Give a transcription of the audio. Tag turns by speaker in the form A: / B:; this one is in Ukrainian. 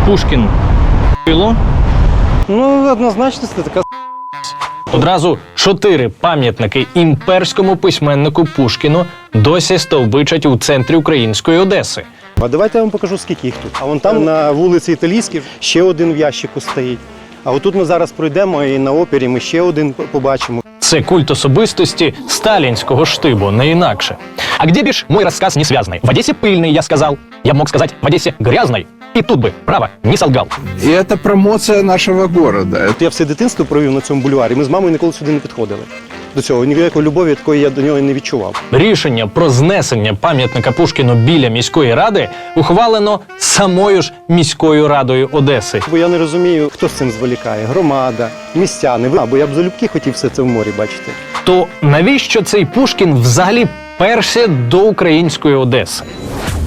A: Пушкін ***ло.
B: Ну, однозначно, це така
A: Одразу 4 пам'ятники імперському письменнику Пушкіну досі стовбичать у центрі української Одеси.
B: А давайте я вам покажу, скільки їх тут. А вон там на вулиці Італійській ще один в ящику стоїть. А отут ми зараз пройдемо і на опері ми ще один побачимо.
A: Це культ особистости сталінського штибу, не інакше. А где бишь мой рассказ не связанный? В Одессе пыльный, я сказал. Я мог сказать, в Одессе грязной. И тут бы, право, не солгал.
C: И это промоция нашего города.
B: Я все дитинство провів на цьому бульварі. Ми з мамою ніколи сюди не підходили. До цього ніякої любові такої я до нього не відчував.
A: Рішення про знесення пам'ятника Пушкіну біля міської ради ухвалено самою ж міською радою Одеси.
B: Бо я не розумію, хто з цим зволікає. Громада, містяни. Бо я б залюбки хотів все це в морі бачити.
A: То навіщо цей Пушкін взагалі перся до української Одеси?